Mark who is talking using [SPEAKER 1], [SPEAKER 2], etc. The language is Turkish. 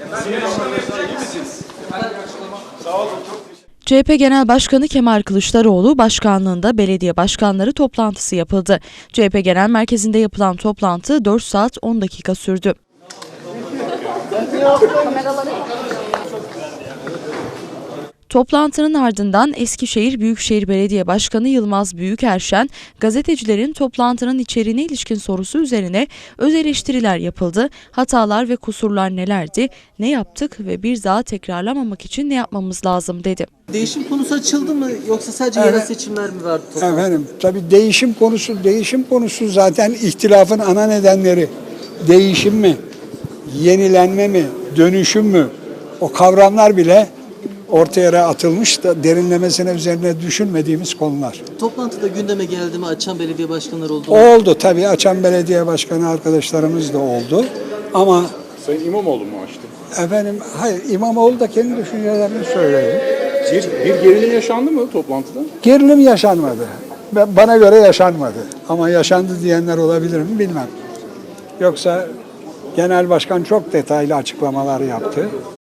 [SPEAKER 1] CHP Genel Başkanı Kemal Kılıçdaroğlu başkanlığında belediye başkanları toplantısı yapıldı. CHP Genel Merkezi'nde yapılan toplantı 4 saat 10 dakika sürdü. Toplantının ardından Eskişehir Büyükşehir Belediye Başkanı Yılmaz Büyükerşen, gazetecilerin toplantının içeriğine ilişkin sorusu üzerine öz eleştiriler yapıldı. Hatalar ve kusurlar nelerdi, ne yaptık ve bir daha tekrarlamamak için ne yapmamız lazım dedi.
[SPEAKER 2] Değişim konusu açıldı mı yoksa sadece yerel seçimler mi vardı?
[SPEAKER 3] Efendim tabii değişim konusu zaten ihtilafın ana nedenleri. Değişim mi, yenilenme mi, dönüşüm mü? O kavramlar bile ortaya atılmış da derinlemesine üzerine düşünmediğimiz konular.
[SPEAKER 2] Toplantıda gündeme geldi mi? Açan belediye başkanları oldu mu?
[SPEAKER 3] Oldu tabii, açan belediye başkanı arkadaşlarımız da oldu ama
[SPEAKER 4] Sayın İmamoğlu mu açtı?
[SPEAKER 3] efendim hayır, İmamoğlu da kendi düşüncelerini söyledi.
[SPEAKER 4] Bir gerilim yaşandı mı toplantıda?
[SPEAKER 3] Gerilim yaşanmadı. Bana göre yaşanmadı. Ama yaşandı diyenler olabilir mi bilmem. Yoksa genel başkan çok detaylı açıklamalar yaptı.